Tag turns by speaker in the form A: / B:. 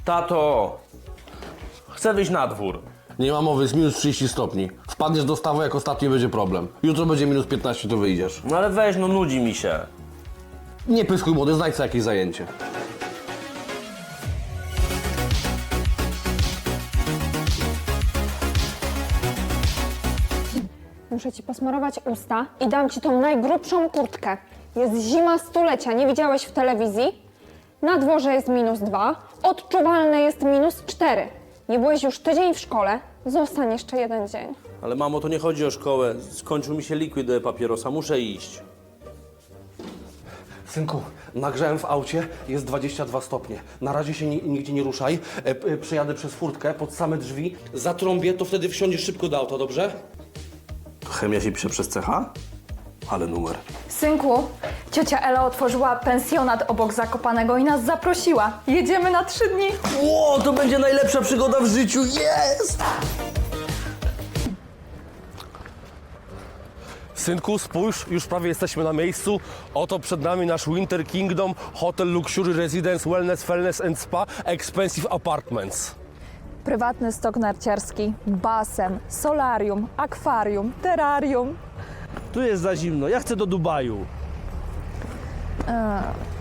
A: Tato, chcę wyjść na dwór.
B: Nie ma mowy, jest minus 30 stopni. Wpadniesz do stawu, jak ostatni będzie problem. Jutro będzie minus 15, to wyjdziesz.
A: No ale weź, no nudzi mi się.
B: Nie pyskuj młody, znajdź sobie jakieś zajęcie.
C: Muszę ci posmarować usta i dam ci tą najgrubszą kurtkę. Jest zima stulecia, nie widziałeś w telewizji? Na dworze jest -2, odczuwalne jest -4. Nie byłeś już tydzień w szkole, zostań jeszcze jeden dzień.
A: Ale mamo, to nie chodzi o szkołę. Skończył mi się liquid do papierosa, muszę iść.
B: Synku, nagrzałem w aucie, jest 22 stopnie. Na razie się nigdzie nie ruszaj. Przejadę przez furtkę pod same drzwi, zatrąbię, to wtedy wsiądziesz szybko do auta, dobrze?
A: Chemia się pisze przez CH? Ale numer.
D: Synku, ciocia Ela otworzyła pensjonat obok Zakopanego i nas zaprosiła. Jedziemy na 3 dni.
A: Ło, to będzie najlepsza przygoda w życiu, jest!
E: Synku, spójrz, już prawie jesteśmy na miejscu. Oto przed nami nasz Winter Kingdom Hotel Luxury Residence Wellness and Spa Expensive Apartments.
D: Prywatny stok narciarski, basen, solarium, akwarium, terrarium.
A: Tu jest za zimno, ja chcę do Dubaju.